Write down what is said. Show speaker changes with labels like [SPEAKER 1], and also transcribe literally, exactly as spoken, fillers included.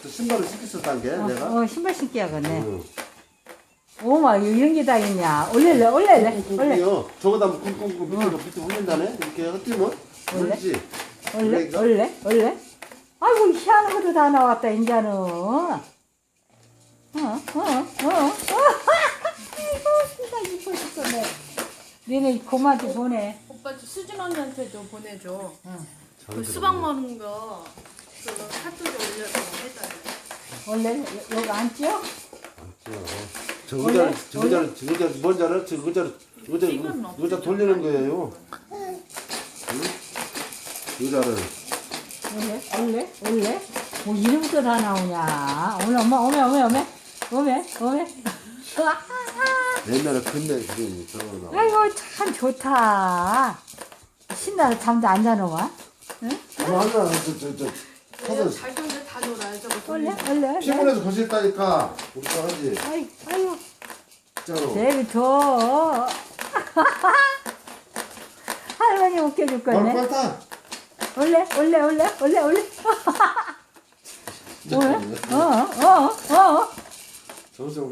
[SPEAKER 1] 또 신발을 신겠었단 게
[SPEAKER 2] 어,
[SPEAKER 1] 내가.
[SPEAKER 2] 어, 신발 신기 하겠네.
[SPEAKER 1] 응.
[SPEAKER 2] 오마, 이런 게 다 있냐. 올릴래, 올릴래, 올래.
[SPEAKER 1] 요 저거다 뭐 쿵쿵쿵 밑으로 밑에 올린다네. 이렇게 흩으면
[SPEAKER 2] 원래?
[SPEAKER 1] 뭔지.
[SPEAKER 2] 올래, 올래, 올래. 아이고, 희한한 것도 다 나왔다, 인자는. 어, 어, 어, 어. 아이고, 진짜 이뻐 죽겠네. 니네 고마한테 보내.
[SPEAKER 3] 오빠 저 수진 언니한테도 보내줘.
[SPEAKER 2] 응.
[SPEAKER 3] 그 수박 먹는 거 그거 카톡에 올려서 해달래.
[SPEAKER 2] 원래 여- 여기 앉죠?
[SPEAKER 1] 저
[SPEAKER 2] 원래?
[SPEAKER 1] 의자를 저 의자를 저 의자 뭔지 알아? 저 의자를 의자
[SPEAKER 3] 이건
[SPEAKER 1] 의자 돌리는 거예요. 응? 의자를.
[SPEAKER 2] 원래, 원래, 원래. 뭐 이름도 다 나오냐. 오늘 엄마, 오메, 오메, 오메, 오메, 오메.
[SPEAKER 1] 옛날에 근데 그게 저거 나.
[SPEAKER 2] 아이고, 참 좋다. 신나서 잠도 안 자노마. 응?
[SPEAKER 1] 뭐 하나 저저저 가서
[SPEAKER 3] 자기들 다 놀아요. 저거
[SPEAKER 2] 원래, 원래, 원래.
[SPEAKER 1] 피곤해서 거실다니까 우리 또 하지.
[SPEAKER 2] 아이, 아이고.
[SPEAKER 1] 진짜로.
[SPEAKER 2] 내비둬. 할머니 웃겨줄 거네.
[SPEAKER 1] 빨리 타.
[SPEAKER 2] 원래, 원래, 원래, 원래, 원래.
[SPEAKER 1] 진짜
[SPEAKER 2] 원래?
[SPEAKER 1] 그러네.
[SPEAKER 2] 어, 어, 어.
[SPEAKER 1] 정수